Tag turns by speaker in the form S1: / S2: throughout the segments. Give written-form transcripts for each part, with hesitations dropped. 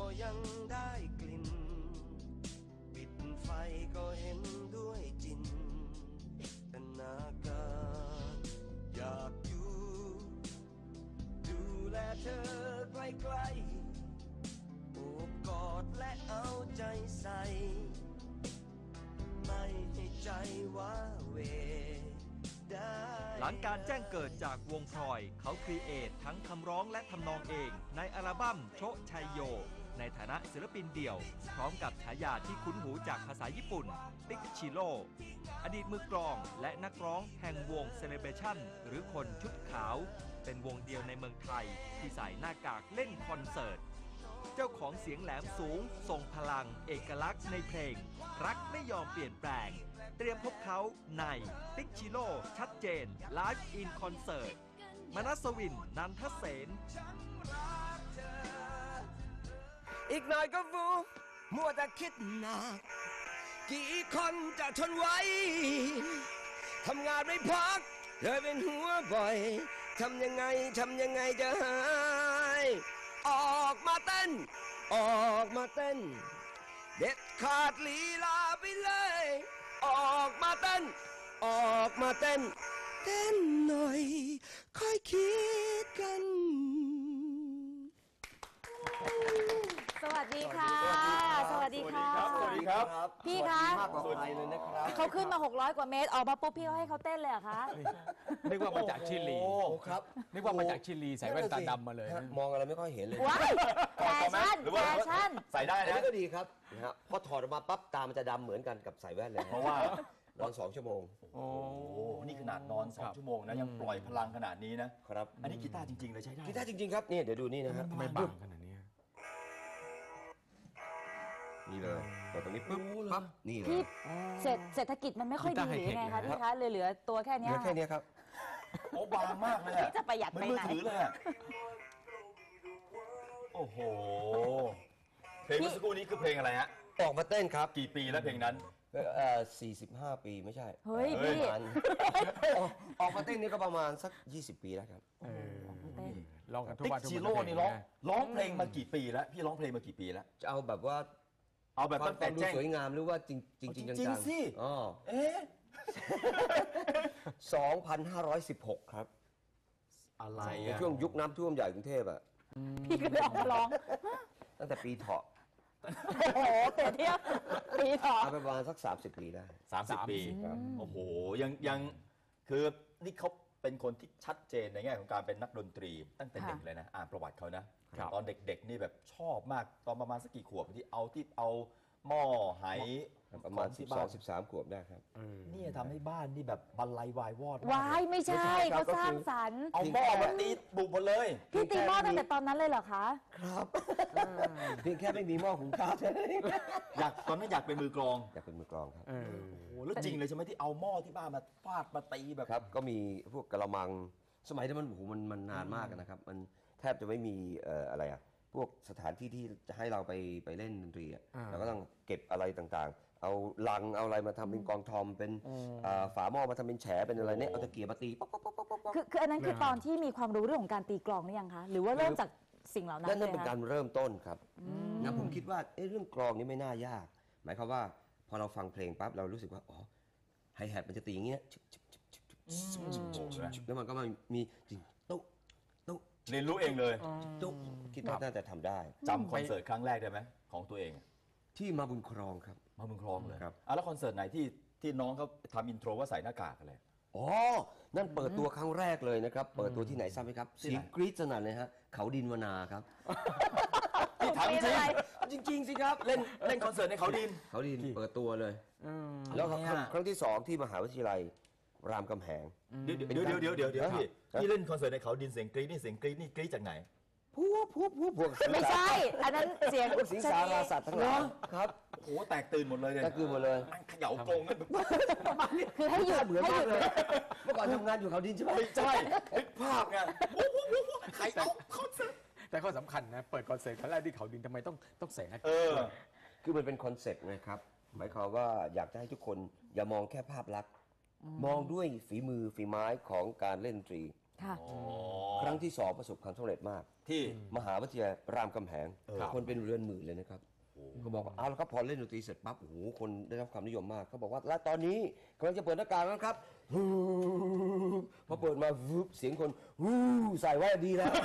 S1: ยังได้กลิ่นปิดไฟก็เห็นด้วยจินตนาการอยากอยู่ดูแลเธอใกล้ๆโอบกอดและเอาใจใส่ไม่ให้ใจว้าเหว
S2: หลังการแจ้งเกิดจากวงพลอยเขาครีเอททั้งคำร้องและทำนองเองในอัลบั้มโชชัยโยในฐานะศิลปินเดี่ยวพร้อมกับฉายาที่คุ้นหูจากภาษาญี่ปุ่นติ๊กชิโร่อดีตมือกลองและนักร้องแห่งวงเซเลเบชั่นหรือคนชุดขาวเป็นวงเดียวในเมืองไทยที่ใส่หน้ากากเล่นคอนเสิร์ตเจ้าของเสียงแหลมสูงทรงพลังเอกลักษณ์ในเพลงรักไม่ยอมเปลี่ยนแปลงเตรียมพบเขาในติ๊กชิโร่ชัดเจนไลฟ์อินคอนเสิร์ตมนัสวินนันทเสน
S1: อีกหน่อยก็ฟูมัวแต่คิดหนักกี่คนจะทนไว้ทำงานไม่พักเลยเป็นหัวบ่อยทำยังไงจะหายออกมาเต้นออกมาเต้นเด็ดขาดลีลาไปเลยออกมาเต้นออกมาเต้นเต้นหน่อยค่อยคิดกัน
S3: สวัสดีค่ะสวัสดีค่ะ
S4: สวัสดีครับ
S3: พี่คะ
S1: มากกว่าใครเลยนะครับ
S3: เขาขึ้นมา600 กว่าเมตรออกมาปุ๊บพี่เขาให้เขาเต้นเลยเหรอคะ
S4: นึกว่ามาจากชิลี
S1: โอ้ครับ
S4: นึกว่ามาจากชิลีใส่แว่นตาดำมาเลย
S1: มองอะไรไม่ค่อยเห็นเลย
S3: ว้ายแฟชั่นแฟชั่น
S5: ใส่ได้
S1: อัน
S5: นะ
S1: นี้ก็ดีครับนะฮะพอถอดออกมาปั๊บตามันจะดำเหมือนกันกับใส่แว่นเลย
S5: เพราะว่าน
S1: อน2 ชั่วโมง
S5: โอ้โหนี่ขนาดนอน 2 ชั่วโมงนะยังปล่อยพลังขนาดนี้นะครับ อันนี้กีตาร์จริงๆเลยใช้ได้
S1: กีตาร์จริงๆครับนี่เดี๋ยวดูนี่นะฮะ
S4: ทำไมบางขนาดนี้
S1: นี่เลยกดตรงนี้ปุ๊บปั๊บนี่เลย
S3: พี่เศรษฐกิจมันไม่ค่อยดีหรือยังไงคะพี่คะเลยเหลือตัวแค่นี้
S1: เหลือแค่นี้ครับ
S5: โอ้บางมากเลยอะ
S3: พี่จะประหยัดไปไหน
S5: มือถือเลยอะโอ้โหเพลงเมื่อสักครู่นี้คือเพลงอะไรฮะ
S1: ออกมาเต้นครับ
S5: กี่ปีแล้วเพลงนั้น
S1: 45 ปีไม่ใช่
S3: เฮ้ยพี่
S1: ประมาณออกมาเต้นนี่ก็ประมาณสัก20 ปีแล้วครับ
S3: เต้น
S4: ลองกันทุก
S5: ติ๊ก
S4: วันทุก
S5: ชิ
S4: วัน
S5: โร่นี่ร้องเพลงมากี่ปีแล้วพี่ร้องเพลงมากี่ปีแล้ว
S1: จะเอาแบบว่า
S5: เอาแบบ
S1: ความ
S5: ตั้งแต่
S1: ดู
S5: แจ้ง
S1: สวยงามหรือว่าจริงจริง
S5: จริ
S1: จั
S5: ง
S1: ง
S5: ๆสิ
S1: ๆอ๋อ
S5: เอ๊ะ
S1: 2,516 ครับ
S4: อะไร
S1: ใน
S4: อ่ะ
S1: ช่วงยุคน้ำท่วมใหญ่กรุงเทพอะ
S3: พี่ก็เลยออกมาร้อง
S1: ตั้งแต่ปีเถาะ
S3: โอ้โหเปรียบเทียบปีต่อ
S1: เอาไปประมาณสัก30 ปีได้
S5: 30 ปีโอ้โหยังคือนี่เขาเป็นคนที่ชัดเจนในแง่ของการเป็นนักดนตรีตั้งแต่เด็กเลยนะอ่านประวัติเขานะตอนเด็กๆนี่แบบชอบมากตอนประมาณสักกี่ขวบที่เอาหม้อไห
S1: ประมาณ
S5: ที่บ้าน
S1: 12-13 ขวบได้ครับ
S5: นี่ทำให้บ้านนี่แบบบรรลัยวายวอด
S3: วายไม่ใช่
S1: ไม่ใช่ครับ
S3: เขาสร้างสรรค์
S5: เอาหม้อมาตีบุกหมดเลย
S3: พี่ตีหม้อตั้งแต่ตอนนั้นเลยเหรอคะ
S1: ครับเพียงแค่ไม่มีหม้อหุงข้าวเท่านั้นเอง
S5: ตอนนั้นอยากเป็นมือกลอง
S1: อยากเป็นมือกลองครับ
S5: โอ้โหแล้วจริงเลยใช่ไหมที่เอาหม้อที่บ้านมาฟาดมาตีแบบ
S1: ครับก็มีพวกกระมังสมัยนั้นมันโอ้โหมันนานมากนะครับมันแทบจะไม่มีอะไรอะพวกสถานที่ที่จะให้เราไปเล่นดนตรีอะเราก็ต้องเก็บอะไรต่างๆ เอาลังเอาอะไรมาทำเป็นกองทอมเป็นฝาหม้อมาทำเป็นแฉเป็นอะไรเนี่ยเอาตะเกียบมาตีป๊อกป๊อกป๊อกป๊อกป๊อก
S3: คืออันนั้นคือตอนที่มีความรู้เรื่องของการตีกลองหรือยังคะหรือว่าเริ่มจากสิ่งเหล่านั้น
S1: นั่น
S3: เลย
S1: เป็น
S3: คะ
S1: การเริ่มต้นครับนะผมคิดว่าเรื่องกลองนี่ไม่น่ายาก หมายความว่าพอเราฟังเพลงปั๊บเรารู้สึกว่าอ๋อไฮแฮทมันจะตีอย่างเงี้ยแล้วมันก็มีจริงตุ๊ตุ๊
S5: เรียนรู้เองเลย
S1: ตุ๊คิดว่าน่าจะทำได้
S5: จำคอนเสิร์ตครั้งแรกได้ไหมของตัวเอง
S1: ที่มาบุญครองครับ
S5: มาเมืองคลองเลย
S1: ครับ
S5: แล้วคอนเสิร์ตไหนที่น้องเขาทำอินโทรว่าใส่หน้ากากอะไร
S1: อ๋อนั่นเปิดตัวครั้งแรกเลยนะครับเปิดตัวที่ไหนทราบไหมครับ
S5: ที่
S1: เสี
S5: ไหน
S1: ยงกรี๊ดสนั่นเลยฮะเขาดินวนาครับ
S5: ที่ถามจริง
S1: จริงๆสิครับ
S5: เล่นคอนเสิร์ตในเขาดิน
S1: เขาดินเปิดตัวเลยแล้วครั้งที่2ที่มหาวิทยาลัยรามคำแหง
S5: เดี๋ยวพี่เล่นคอนเสิร์ตในเขาดินเสียงกรี๊ดนี่กรี๊ดจากไหน
S1: พวก
S3: ไม่ใช่ อันนั้นเสียง
S1: พวกสิงสาราสัตว์ทั้งหลายครับ
S5: โอ้โหแตกตื่นหมดเลยเนี่ย
S1: ก็คือหมดเลย
S5: มันเขย่ากรงกันแบบ
S3: คือให้หยุด
S1: เหมือน
S3: ให้
S1: มา
S3: ห
S1: ก
S3: ยุด
S1: เลยเมื่อก่อนทำงานอยู่เขาดินใช่ไหม
S5: ไม่ใช่นึกภาพไงใครเอาคอนเสิร์ต
S4: แต่ข้อสำคัญนะเปิดคอนเสิร์ตครั้งแรกที่เขาดินทำไมต้องใส่หน้ากาก
S1: คือมันเป็นคอนเซ็ปต์นะครับหมายความว่าอยากจะให้ทุกคนอย่ามองแค่ภาพลักษณ์มองด้วยฝีมือฝีไม้ของการเล่นดนตรี
S3: ค่ะ
S5: อ๋อ
S1: ครั้งที่ 2 ประสบความสำเร็จมาก
S5: ที่
S1: มหาวิทยาลัยรามคำแหง
S5: ครับ
S1: คนเป็นเรือนหมื่นเลยนะครับเขาบอกว่าเอาละครับพอเล่นดนตรีเสร็จปั๊บโอ้โหคนได้รับความนิยมมากเขาบอกว่าและตอนนี้กำลังจะเปิดหน้ากากแล้วครับพอเปิดมาวึบเสียงคนวู้ใส่ไว้ดีแล้ว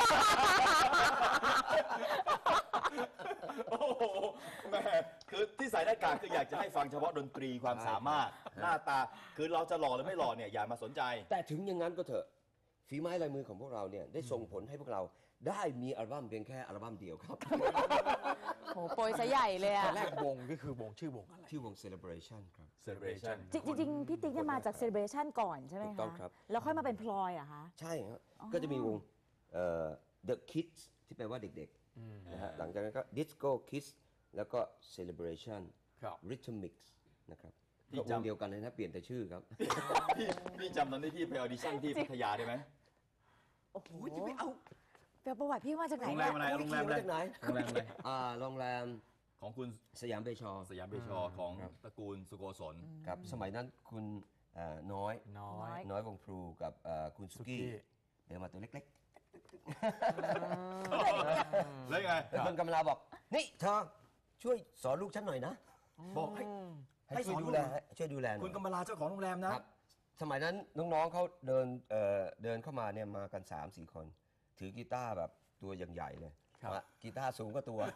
S5: โอ้โหแหม่คือที่ใส่หน้ากากคืออยากจะให้ฟังเฉพาะดนตรีความสามารถ หน้าตาคือเราจะหล่อหรือไม่หล่อเนี่ยอย่ามาสนใจ
S1: แต่ถึงอย่างนั้นก็เถอะฝีไม้ลายมือของพวกเราเนี่ยได้ส่งผลให้พวกเราได้มีอัลบั้มเพียงแค่อัลบั้มเดียวครับ
S3: โหโปรยซะใหญ่เลย
S4: ต
S3: อะ
S4: อนแรกวงก็คือวงชื่อวงอะไร
S1: ที่วง Celebration ครับ
S5: celebration
S3: จริงๆพี่ติ๊กเนี่ยมาจาก Celebration ก่อนใช่ไหม
S1: ถู
S3: คะ
S1: กต้องครับ
S3: แล้วค่อยมาเป็นพลอยเหรอะคะ
S1: ใช่ครับก็จะมีวงThe Kids ที่แปลว่าเด็กๆนะฮะหลังจากนั้นก็ Disco Kids แล้วก็ Celebration
S4: ครับ
S1: Rhythmix นะครับ
S5: ที่
S1: ก็ว
S5: จำ
S1: งเดียวกันเลยนะเปลี่ยนแต่ชื่อครับ
S5: พี่จำตอนที่พี่ไปออดิชั่นที่พัทยาได้ไหม
S3: โอ้โห
S1: จะไปเอา
S3: แปลประวัติพี่มาจากไหน
S5: โรงแร
S3: เนี่ย
S5: มอะไร โรงแรมอะไร
S1: มาจากไหน
S5: โรงแรมอะไร
S1: โรงแรม
S5: ของคุณ
S1: สยามเบชอ
S5: สยามเบชอของตระกูลสุโกศล
S1: ครับสมัยนั้นคุณน้อ
S4: น้
S3: น้
S4: อ
S3: อย ย
S1: น้อยวงพลูกับคุณสุกี้
S4: สุกี้
S1: เดินมาตัวเล็ก
S5: แล้วยังไง
S1: ๆแล้วคุณกำลาบอก นี่เธอช่วยสอนลูกฉันหน่อยนะ
S5: บอกให้
S1: ให้ช่วยดูแลช่วยดูแลหน่อย
S5: คุณกำมลาเจ้าของโรงแรมนะ
S1: ครับสมัยนั้นน้องๆเขาเดินเข้ามาเนี่ยมากัน 3-4 คน ถือกีตาร์แบบตัวอย่างใหญ่เลย
S4: ครับ
S1: กีตาร์สูงก็ตัว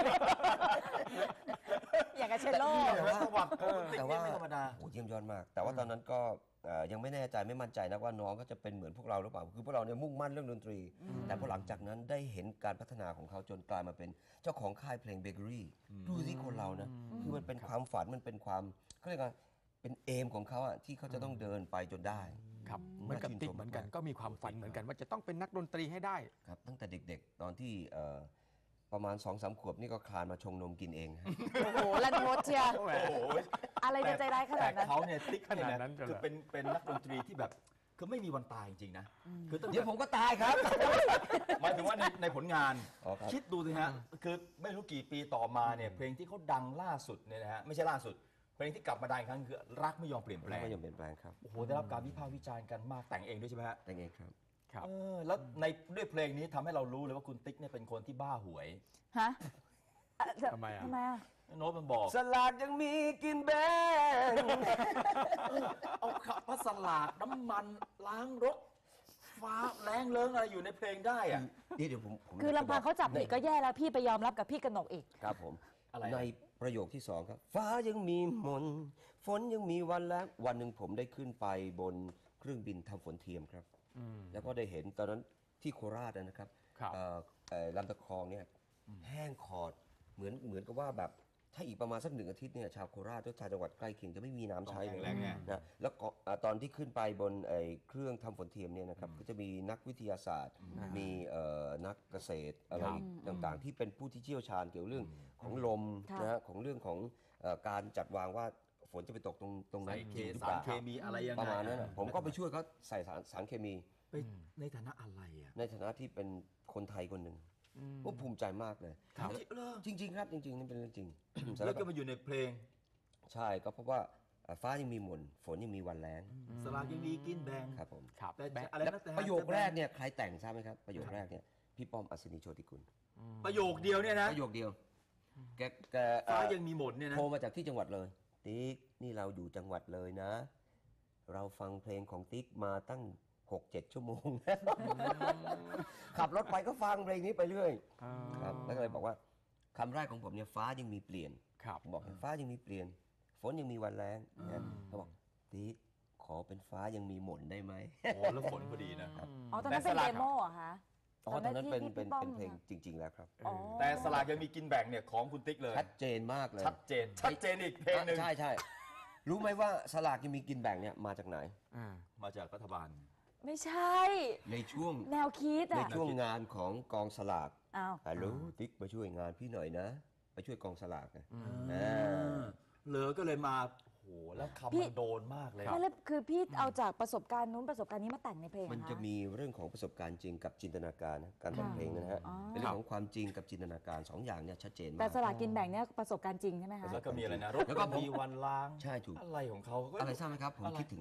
S3: อย่างกับเชลโล่
S5: แต่ว่าประวัติของคุณติ๊ก
S1: แต่
S5: นี่
S1: ว่า
S5: ไม่ธรรมดา
S1: โอ้เยี่ยมยอดมาก แต่ว่าตอนนั้นก็ยังไม่แน่ใจไม่มั่นใจนะว่าน้องเขาจะเป็นเหมือนพวกเราหรือเปล่าคือพวกเราเนี่ยมุ่งมั่นเรื่องดนตรี แต่พอหลังจากนั้นได้เห็นการพัฒนาของเขาจนกลายมาเป็นเจ้าของค่ายเพลงเบเกอรี่ดูที่คนเรานะคือมันเป็นความฝันมันเป็นความเขาเรียกว่าเป็นเอมของเขาอะที่เขาจะต้องเดินไปจนได้
S4: ครับเหมือนกับติ๊กเหมือนกันก็มีความฝันเหมือนกันว่าจะต้องเป็นนักดนตรีให้ได้
S1: ครับตั้งแต่เด็กๆ ตอนที่ประมาณ 2-3 ขวบนี่ก็คลานมาชงนมกินเองฮะ
S3: โอ้โหลันทดเชียร์
S5: โอ้โห
S3: อะไรจะใจร้ายขนา
S5: แต่
S3: ดนั้น
S5: เขาเนี่ยติ๊ก
S4: ขนาด
S5: เนี่ย
S4: นั้
S5: นะ
S4: นเลยเหรอ
S5: คือเป็นนักดนตรีที่แบบคือไม่มีวันตายจริงๆนะคือตั้ง
S1: เดี๋ย
S5: แต่
S1: วผมก็ตายครับ
S5: หมายถึงว่าในผลงาน
S1: อ๋อครับ
S5: คิดดูสิฮะคือไม่รู้กี่ปีต่อมาเนี่ยเพลงที่เขาดังล่าสุดเนี่ยนะฮะไม่ใช่ล่าสุด เพลงที่กลับมาดังอีกครั้งคือรักไม่ยอมเปลี่ยนแปลง
S1: ไม่ยอมเปลี่ยนแปลงครับ
S5: โอ้โหได้รับการวิพากษ์วิจารณ์กันมากแต่งเองด้วยใช่ไหมฮะ
S1: แต่งเองครับ
S4: ครับ
S5: แล้วในด้วยเพลงนี้ทำให้เรารู้เลยว่าคุณติ๊กเนี่ยเป็นคนที่บ้าหวย
S3: ฮะ
S4: ทำไมอะ
S3: ทำไมอะ
S5: โน้ตมันบอก
S1: สลากยังมีกินแบง
S5: เอาขับพัสลากน้ำมันล้างรถฟ้าแรงเลิงอะไรอยู่ในเพลงได้อะ
S1: เดี๋ยวผม
S3: คือลำพังเขาจับผิดก็แย่แล้วพี่ไปยอมรับกับพี่กนกอีก
S1: ครับผม
S5: อะไร
S1: ในประโยคที่ 2 ครับ ฟ้ายังมีมนต์ฝนยังมีวันแล้ววันหนึ่งผมได้ขึ้นไปบนเครื่องบินทำฝนเทียมครับ แล้วก็ได้เห็นตอนนั้นที่โคราชนะครับ
S4: ครับ
S1: ลำตะคองเนี่ยแห้งขอดเหมือนกับว่าแบบถ้าอีกประมาณสัก1 อาทิตย์เนี่ยชาวโคราชและชาวจังหวัดใกล้เคียงจะไม่มีน้ำใช้เลย
S5: แรงไง
S1: นะแล้วก็ตอนที่ขึ้นไปบนเครื่องทำฝนเทียมเนี่ยนะครับก็จะมีนักวิทยาศาสตร์ มีนักเกษตรอะไรต่างๆ ที่เป็นผู้ที่เชี่ยวชาญเกี่ยวเรื่องของลม
S3: ค่ะ
S1: นะฮะของเรื่องของการจัดวางว่าฝนจะไปตกตรงนั้
S5: ใส่
S1: น
S5: เค
S1: จริงหรือ
S5: สา
S1: เป
S5: ร
S1: ล่า
S5: เคมีอะไรยังไง
S1: ประมาณนั้นนะผมก็ไปช่วยเขาใส่สารเคมี
S5: ไปในฐานะอะไรอ่ะ
S1: ในฐานะที่เป็นคนไทยคนหนึ่งผมภูมิใจมากเลย
S5: ครับ
S1: จริง ๆ ครับจริงๆนี่เป็นเรื่องจริง
S5: แล้วก็มาอยู่ในเพลง
S1: ใช่ก็เพราะว่าฟ้ายังมีหม่นฝนยังมีวันแล้ง
S5: สลากยังมีกินแบง
S1: ครับผม
S4: ครับ
S5: แต่
S4: แบง
S5: อะไร
S1: และ
S5: นะแต่
S1: ประโยคแรกเนี่ยใครแต่งทราบไหมครับประโยคแรกเนี่ยพี่ป้อมอัศนีโชติกุล
S5: ประโยคเดียวเนี่ยนะ
S1: ประโยคเดียวแก
S5: ฟ้ายังมีหมดเนี่ยนะ
S1: โทรมาจากที่จังหวัดเลยติ๊กนี่เราอยู่จังหวัดเลยนะ เราฟังเพลงของติ๊กมาตั้ง 6-7 ชั่วโมงแล้วขับรถไปก็ฟังเพลงนี้ไปเรื่อยครับแล้วก็เลยบอกว่าคำแรกของผมเนี่ยฟ้ายังมีเปลี่ยน
S4: ครับ
S1: บอกฟ้ายังมีเปลี่ยน ฝนยังมีวันแล้งนะเขาบอกติ๊กขอเป็นฟ้ายังมีหม่นได้ไหม
S5: โอ้แล้วฝนพอดีนะ
S3: อ๋อ ตอนนั้นเป็น
S5: แต่สลั
S3: เด
S5: ก
S3: โมเหรอคะ
S1: อ๋อตอนนั้นเป็น
S3: ที่
S1: เป็น
S3: พี่ป้อม
S1: เพลงจริง ๆ แล้วครับ
S3: อ๋อ
S5: แต่สลากยังมีกินแบ่งเนี่ยของคุณติ๊กเลย
S1: ชัดเจนมากเลย
S5: ชัดเจนอีกเพลงหนึ่ง
S1: ใช่ใช่รู้ไหมว่าสลากยังมีกินแบ่งเนี่ยมาจากไหน
S5: มาจากรัฐบาล
S3: ไม่ใช่
S1: ในช่วง
S3: แนวคิด
S1: ใน
S3: อะ
S1: ช่วงงานของกองสลาก
S3: อ้าว
S1: ฮัลโหลติ๊กมาช่วยงานพี่หน่อยนะมาช่วยกองสลากนะ
S5: เหลือก็เลยมาโอ้โหแล้วคำมันโดนมากเลย
S3: ไม่แล้วคือพี่เอาจากประสบการณ์นู้นประสบการณ์นี้มาแต่งในเพลงเหรอ
S1: มัน
S3: ค
S1: จะมีเรื่องของประสบการณ์จริงกับจินตนาการนะการแต่งเพลงนะฮะ
S3: อ๋อ
S1: เป็นเรื่องของความจริงกับจินตนาการสองอย่างเนี่ยชัดเจนมาก
S3: แต่สลากกินแบ่งเนี่ยประสบการณ์จริงใช่ไหมคะ
S5: แล้วก็มีอะไรนะรถ
S1: แล้วก็ผม
S5: มีวันล้าง
S1: ใช่ถูก
S5: อะไรของเขาก็
S1: อะไรทราบไหมครับ ผม
S5: อะไร
S1: คิดถึงอะไร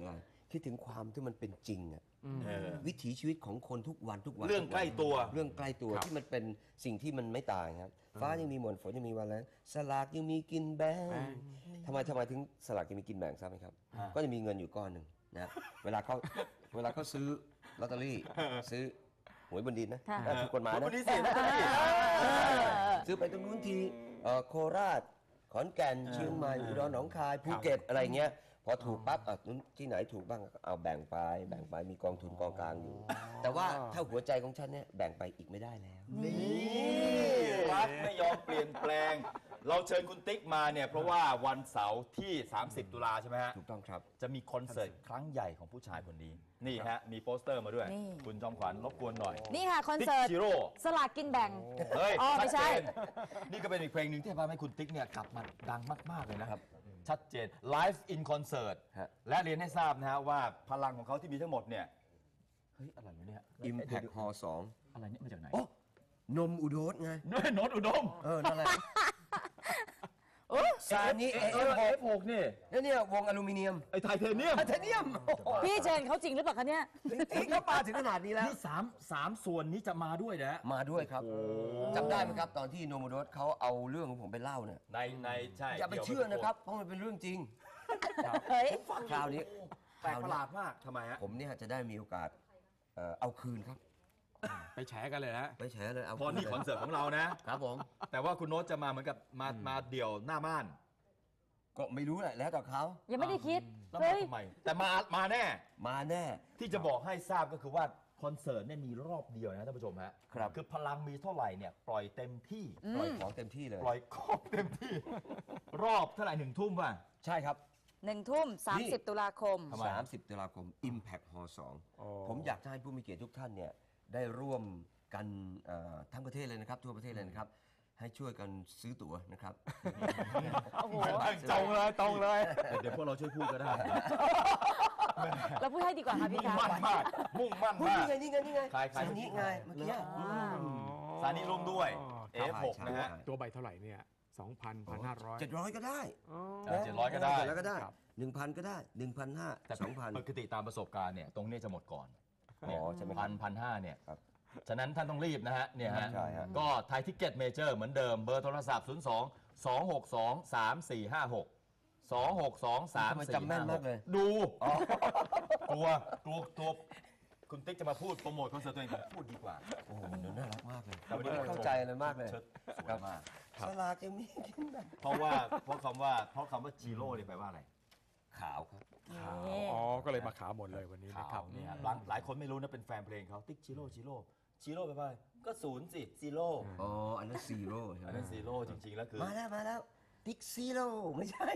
S1: คิดถึงความที่มันเป็นจริงอะ
S5: เออ
S1: วิถีชีวิตของคนทุกวันทุกวัน
S5: เรื่องใกล้ตัว
S1: เรื่องใกล้ตัวที่มันเป็นสิ่งที่มันไม่ตายครับ ฟ้ายังมีหมนฝนยังมีวันแล้งสลากยังมีกินแบ่งทำไมถึงสลากยังมีกินแบ่งทราบไหมครับ ก็จะมีเงินอยู่ก้อนหนึ่งนะเวลาเขาซื้อลอตเตอรี่ซื้อหวยบนดินนะ
S3: ค่ะ
S1: ถูกกฎหมาย
S5: ค
S1: นะ
S5: นนี้สิ
S1: ซื้อไปตรงนู้นทีโคราชขอนแก่นเชียงใหม่อุดรหนองคายภูเก็ตอะไรเงี้ยพอถูกปั๊บนู้นที่ไหนถูกบ้างเอาแบ่งไปมีกองทุนกองกลางอยู่ แต่ว่าถ้าหัวใจของฉันเนี่ยแบ่งไปอีกไม่ได้แล้ว
S5: นี่รักไม่ยอมเปลี่ยนแปลง เราเชิญคุณติ๊กมาเนี่ยเพราะว่าวันเสาร์ที่ 30 ตุลาใช่ไหมฮะ
S1: ถูกต้องครับ
S5: จะมีคอนเสิร์ตครั้งใหญ่ของผู้ชายคนนี้ นี่ฮะ มีโปสเตอร์มาด้วย
S3: นี่
S5: คุณจอมขวัญรบกวนหน่อย
S3: นี่ค่ะคอนเสิร์ต
S5: ติ๊กชิโร่
S3: สลากกินแบ่ง
S5: เฮ้ย
S3: อ๋อไม่ใช่
S5: ชัดเจนนี่ก็เป็นอีกเพลงหนึ่งที่ทำให้คุณติ๊กเนี่ยกลับมาดังมาก ๆ เลยนะครับ ชัดเจน Live in Concert
S1: ฮะ
S5: และเรียนให้ทราบนะฮะว่าพลังของเขาที่มีทั้งหมดเนี่ย เฮ้ย อะไรวะเนี่ย
S1: Impact Hall
S5: อะไรเนี่ยมาจากไหน
S1: 2 โอ้นมอุดมไง
S5: โน้ตอุดม
S1: นั่นแหละซานิ
S5: F6 นี่
S1: แล้วเนี่ยวงอลูมิเนียม
S5: ไอ้ไทเทเนียม
S1: ไทเทเนียม
S3: พี่เชิญเขาจริงหรือเปล่าคะเนี่ย
S1: จริงๆเขาปาถึงขนาดนี้แล้ว
S5: นี่สามส่วนนี้จะมาด้วยนะ
S1: มาด้วยครับจำได้ไหมครับ ตอนที่โนมูโดสเขาเอาเรื่องของผมไปเล่าเนี่ย
S5: ในใช่
S1: อย่าไปเชื่อนะครับ เพราะมันเป็นเรื่องจริง
S3: เฮ้ย
S1: คราวนี้
S5: แปลกประหลาดมากทำไมฮะ
S1: ผมเนี่ยจะได้มีโอกาสเอาคืนครับ
S4: ไปแฉกันเลยนะ
S1: ไปแฉเลยเอา
S5: พอนี่คอนเสิร์ตของเรานะ
S1: ครับผม
S5: แต่ว่าคุณโน้ตจะมาเหมือนกับมาเดี่ยวหน้าม่าน
S1: ก็ไม่รู้แหละแล้วแต่เขา
S3: ยังไม่ได้คิด
S5: แล้ว
S3: เฮ้
S5: มาย ทำไม แต่มาแน่
S1: มาแน่
S5: ที่จะบอกให้ทราบก็คือว่าคอนเสิร์ตเนี่ยมีรอบเดียวนะท่านผู้ชมฮะ
S1: ครับ
S5: คือพลังมีเท่าไหร่เนี่ยปล่อยเต็มที่
S1: ปล่อยของเต็มที่เลย
S5: ปล่อยครอบเต็มที่ รอบเท่าไหร่1 ทุ่มป่ะ
S1: ใช่ครับ
S3: 1 ทุ่ม 30 ตุลาคม
S5: ทำไม
S1: 30 ตุลาคม Impact Hall 2 ผมอยากจะให้ผู้มีเกียรติทุกท่านเนี่ยได้ร่วมกันทั้งประเทศเลยนะครับ ทั่วประเทศเลยนะครับ ให้ช่วยกันซื้อตั๋วนะครับ
S3: โอ้โห
S4: ตรงเลย
S5: เดี๋ยวพวกเราช่วยพูดก็ได้
S3: เราพูดให้ดีกว่าค่ะพี่
S5: มุ่ง
S3: คะ
S5: มั่นมากมุ่งมั่น
S1: เฮ้ย
S5: มาก
S1: นี่ไง
S5: ใคร
S1: ซานิไงเมื่อกี้
S5: สานิร่วมด้วย F6 นะฮะ
S4: ตัวใบเท่าไหร่เนี่ย 2,000 1,500
S1: 700 ก็ได้
S5: 700ก็ได้
S1: แล้วก็ได้
S4: ครับ
S1: 1,000 ก็ได้
S5: แต่
S1: 1,500
S5: ปกติตามประสบการณ์เนี่ยตรงนี้จะหมดก่อน
S1: อ๋อใช่ไหมครับ
S5: 1,500เนี่ย
S1: ครับ
S5: ฉะนั้นท่านต้องรีบนะฮะเนี่ยฮะ
S1: ใช่ฮะ
S5: ก็ไทยทิกเก็ตเมเจอร์เหมือนเดิมเบอร์โทรศัพท์ 02 262 3456 262
S1: ทำไมจำแม่นมากเลย
S5: 3456 ดูกลัวคุณติ๊กจะมาพูดโปรโมทคอนเสิร์ตตัวเองพูดดีกว่า
S1: โอ้โหมันน่ารักมากเลย
S5: แต่วันนี้
S1: เข้าใจเลยมากเลย
S5: เชิดสวยมาก
S1: สลากยังมีกินแบบ
S5: เพราะคำว่าจิโร่เนี่ยแปลว่าอะไร
S1: ขาวครับ
S3: นี่
S4: อ๋อ ก็เลยมาขาวหมดเลยวันนี้นะค
S5: ขา
S4: รั
S5: ว
S4: บ
S5: เนี่ยหลายคนไม่รู้นะเป็นแฟนเพลงเขาติ๊กจิโร่แปลว่าอะไรก็ศูนย์สิจิโร่
S1: อ๋อ อันนั้นซีโร่ใช่ไห
S5: อั
S1: ม
S5: นนั้นซีโร่จริงๆแล้วคือ
S1: มาแล้วติ๊กซีโร่ไม่ใช่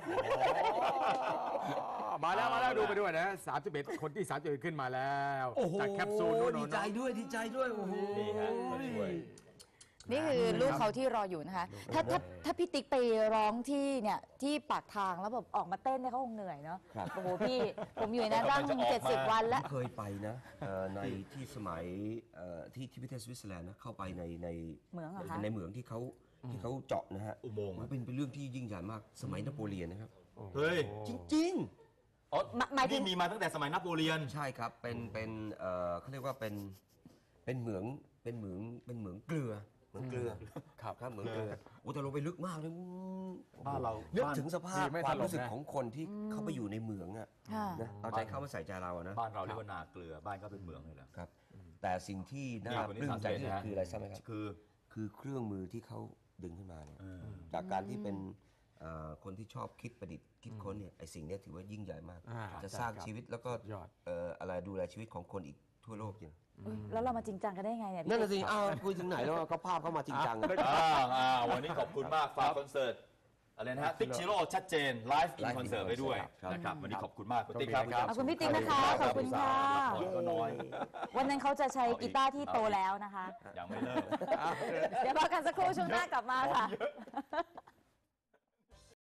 S4: มาแล้วดูไปด้วยนะ 31 คนที่ 31 ขึ้นมาแล้ว
S1: โอ้โห
S4: จากแคปซูลนู่น
S1: ดีใจด้วยโอ้โห
S5: นี่ฮะมาช่วย
S3: นี่คือลูกเขาที่รออยู่นะคะ ถ้าพี่ติ๊กไปร้องที่เนี่ยที่ปากทางแล้วแบบออกมาเต้นเนี่ยเขาคงเหนื่อยเนาะ
S1: ครับ
S3: โอ้โหพี่ผมอยู่ในนั้นตั้ง
S5: จะออกมา
S3: 70 วันแล้ว
S1: เคยไปนะในที่สมัยที่ประเทศสวิตเซอร์แลนด์นะเข้าไปใน
S3: เหมืองเหรอคะ
S1: ในเหมืองที่เขาเจาะนะฮะ
S5: อุโมงค์
S1: มันเป็นเรื่องที่ยิ่งใหญ่มากสมัยนโปเลียนนะครับ
S5: เฮ้ย
S1: จริง
S5: อ๋อ
S3: หมายถึง
S5: นี่มีมาตั้งแต่สมัยนโปเลียน
S1: ๆ ใช่ครับเป็นเขาเรียกว่าเป็นเหมืองเกลือเหมืองเกลือ ครับเหมืองเกลือโอ้แต่ลงไปลึกมากเลย
S5: บ้านเรา
S1: นึกถึงสภาพ
S4: ดีไม่
S1: ความ
S4: ถล่ม
S1: รู้สึก
S4: นะ
S1: ของคนที่เข้าไปอยู่ในเหมืองอะ
S3: ค่ะ
S1: นะเอาใจเข้ามาใส่ใจเราอะนะ
S5: บ้านเราเรียกว่านาเกลือบ้านก็เป็นเหมืองเลยเหรอ
S1: ครับ แต่สิ่งที่น่า
S5: นี่คน
S1: ป
S5: ที่
S1: ลื้มใจที่สุด
S5: 31
S1: คืออะไรทราบไหมครับ
S5: คือ
S1: เครื่องมือที่เขาดึงขึ้นมาเนี่ยจากการที่เป็นคนที่ชอบคิดประดิษฐ์คิดค้นเนี่ยไอสิ่งเนี้ยถือว่ายิ่งใหญ่มาก จะสร้าง
S4: ใช่ครับ
S1: ชีวิตแล้วก็
S4: ยอด
S1: อะไรดูแลชีวิตของคนอีกทั่วโลกจริง
S3: อุ๊ยแล้วเรามาจริงจังกันได้ไงเนี่ย
S1: นั่น
S3: พี่
S1: น่ะสิคุยถึงไหนแล้วก็ภาพเข้ามาจริงจัง
S5: วันนี้ขอบคุณมากฝากคอนเสิร์ตอะไรนะฮะติ๊กชิโร่ชัดเจนไลฟ์อิน
S1: Live in
S5: คอนเสิร์ตไปด้วย
S1: ครับ
S5: นะครับวันนี้ขอบคุณมากคุณติ๊กครับ
S3: ขอบคุณพี่ติ๊กนะคะ ขอบคุณค่ะ
S5: ก็น้อย
S3: วันนั้นเขาจะใช้กีตาร์ที่โตแล้วนะคะ
S5: ยังไม่เลิก
S3: เดี๋ยวพักกันสักครู่ช่วงหน้ากลับมาค่ะ
S5: เยอะ